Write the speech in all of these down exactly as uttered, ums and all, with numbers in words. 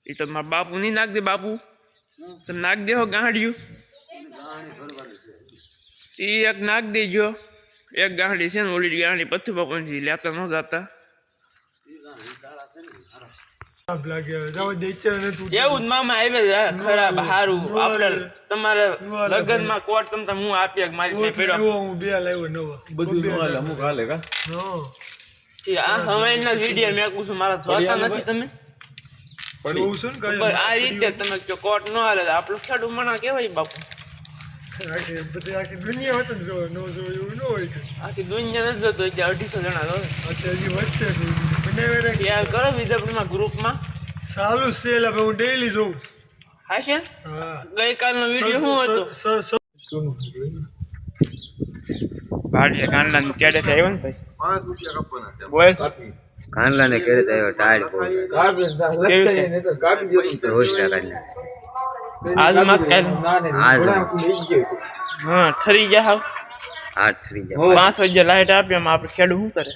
એ તો મારા બાપુ નહીં નાખ દે બાપુ તમે નાખ દેહો ગાંડિયું એ એક નાખ દેજો એક ગાંડી છે ને ઓલી ગાંડી પથ્થુ બાપુથી લેતા ન જતા એવું જ મામા આવે ખરાબ સારું આપણે તમારે લગ્ન માં કોટ તમતા હું આપી મારી આ હવાઈના વિડીયો મેં કહું છું મારા જોતા નથી તમે આ રીતે તમે કોટ ન હાલે આપણું ખેડૂત મણા કેવાય બાપુ આખી દુનિયા હોત ને જો ન જો એવું ન હોય આખી દુનિયા નથી જોતો એટલે અઢીસો જણા જો હજી વધશે શેર કરો વિદ્યાપુરીમાં ગ્રુપમાં ચાલુ સેલ હવે હું ડેઈલી જોઉં હા છે ગઈકાલનો વિડીયો શું હતો ભાડે કાંડલા ને કેડે આવ્યો ને ભાઈ પાંચ રૂપિયા કાપવાના બોલ કાંડલા ને કેડે આવ્યો ટાયર બોલ રોજ કાંડલા आज मत कर आज हां ठरी गया हां आठ ठरी गया पाँच बजे लाइट आपे हम आप खेडू શું કરે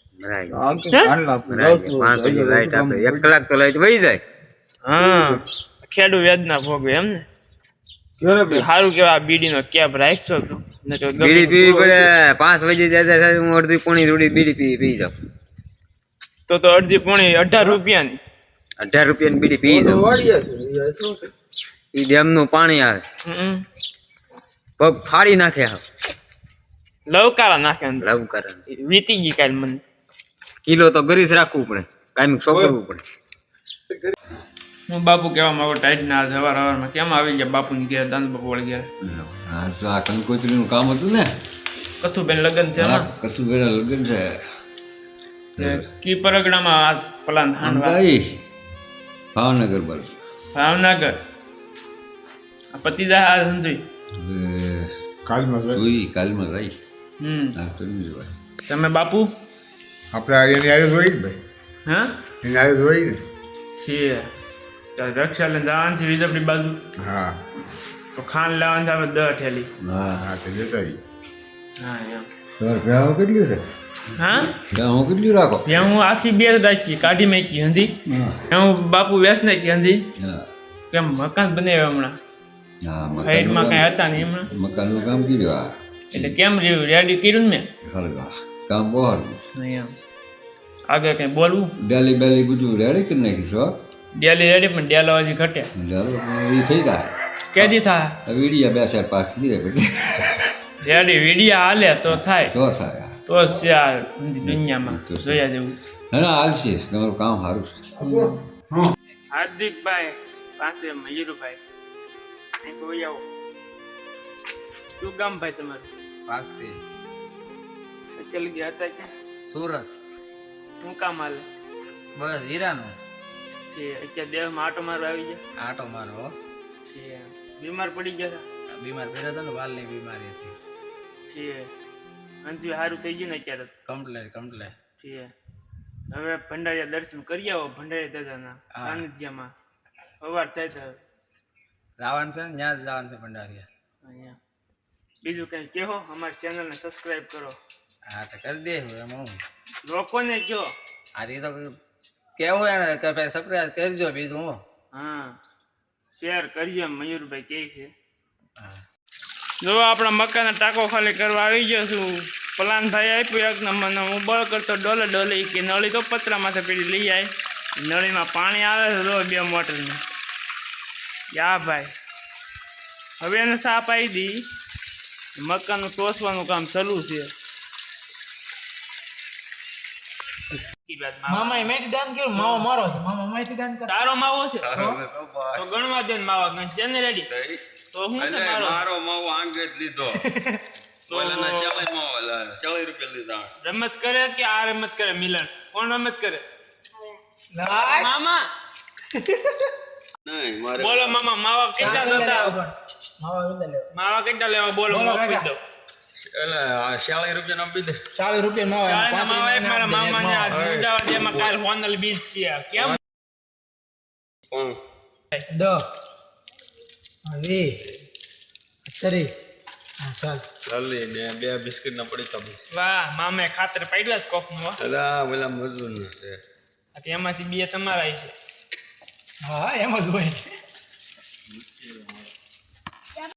મરાય પાંચ બजे લાઈટ આપે એક કલાક તો લાઈટ વહી જાય હા ખેડુ વેદના ભોગવે એમ ને કેરે સારું કેવા બીડી નો કેપ રાખજો તો ને તો બીડી પીવી પડે પાંચ બजे જાય હું અડધી પોણી થોડી બીડી પી પી જાવ તો તો અડધી પોણી અઢાર રૂપિયાની અઢાર રૂપિયાની બીડી પી જાવ ઈ ડેમ નું પાણી આવે પગ ફાડી નાખે લવકારા નાખે લવકારા વીતી ગઈ કાલ મને કિલો તો ગરીસ રાખવું પડે કાયમ સોપડવું પડે હું બાપુ કેવા માંગો ટાઈટ ના સવાર સવારમાં કેમ આવી ગયા બાપુ ની ઘેર દાન બાપુ વળી ગયા હા તો આ કંકોત્રી નું કામ હતું ને કથુબેન લગન છે એમાં કથુબેન લગન છે કી પરગણામાં આ પ્લાન હાંડવા ભાવનગર બાજુ ભાવનગર પતિદા સંજય કાલમાં જોઈ કાલમાં રહી હમ આ તો નહીં જોવાય તમે બાપુ આપણે એની આવ્યો જોઈ ભાઈ હા એની આવ્યો જોઈ ને છે તો રક્ષા લઈને જવાનું છે વિજયપુરી બાજુ હા તો ખાન લેવાનું છે આપણે દસ ઠેલી હા હા તો જતા હા એમ તો ભેહું કેટલી છે હા ભેહું કેટલી રાખો ભેહું આખી બે રાખી કાઢી મેકી હંધી હું બાપુ વેસ નાખી હંધી કેમ મકાન બનાવ્યો હમણાં સાઈડમાં કઈ હતા ને એમણે મકાનનું કામ કર્યું એટલે કેમ રહ્યું રેડી કર્યું ને મેં કામ બહુ એમ આગળ કઈ બોલવું ડેલી બેલી બધું રેડી કરી નાખીશું ડેલી રેડી પણ ડેલો હજી ઘટે એ થઈ જાય કેદી થાય વીડિયા બે ચાર પાંચ દીધે પછી રેડી વીડિયા હાલે તો થાય તો થાય તો છે આ દુનિયામાં જોયા જેવું ના હાલશે તમારું કામ સારું છે હાર્દિકભાઈ પાસે મયુરભાઈ કોઈ આવો શું ગામ ભાઈ તમારું પાકસી ચલ ગયા હતા કે સુરત શું કામ હાલે બસ હીરાનું છે અત્યારે દેહમાં આટો મારો આવી ગયા આટો મારો છે બીમાર પડી ગયા હતા બીમાર પડ્યા હતા ને વાલની બીમારી હતી છે અંજુ સારું થઈ ગયું ને અત્યારે કમ્પ્લેટ કમ્પ્લેટ છે હવે ભંડારીયા દર્શન કરી આવો ભંડારીયા દાદાના સાનિધ્યમાં સવાર થાય તો રાવણ છે ને ત્યાં જ જવાનું છે ભંડારીયા અહીંયા બીજું કંઈ કહો અમારી ચેનલને સબસ્ક્રાઈબ કરો હા તો કરી દે એમાં હું લોકોને કહો આ તો કેવું એને કે ભાઈ સબસ્ક્રાઈબ કરજો બીજું હું હા શેર કરજો મયુરભાઈ કહે છે હા જો આપણા મકાનના ટાંકો ખાલી કરવા આવી ગયો છું પ્લાન ભાઈ આપ્યું એક નંબરનો હું બળ કરતો ડોલે ડોલે કે નળી તો પતરામાંથી પેલી લઈ આવી નળીમાં પાણી આવે છે જો બે મોટરની યા ભાઈ હવે એને સાપ આવી દી મકાનનું ટોસવાનું કામ ચાલુ છે મામા મેથી દાન કર્યું માવો મારો છે મામા મેથી દાન કર તારો માવો છે તો ગણવા દે ને માવા ગણ છે ને રેડી તો હું છે મારો મારો માવો આંગે જ લીધો ઓલાના ચાલીસ માવો ચાલીસ રૂપિયા લીધા રમત કરે કે આ રમત કરે મિલન કોણ રમત કરે મામા નહીં મારે બોલો મામા માવા કેટલા લેતા માવા કેટલા લેવા બોલો આપી દો એટલે આ ચાલીસ રૂપિયા ના આપી દે ચાલીસ રૂપિયા માવા માવા એક મારા મામાને આ દુજાવા જેમાં કાલ ફોનલ બીજ છે કેમ કોણ દ હવે અત્યારે હા ચાલ ચાલી ને બે બિસ્કિટ ના પડી કમ વાહ મામે ખાતર પાડ્યા જ કોક નું અલા ઓલા મજૂર છે આ એમાંથી બે તમારા છે હા એમ જ હોય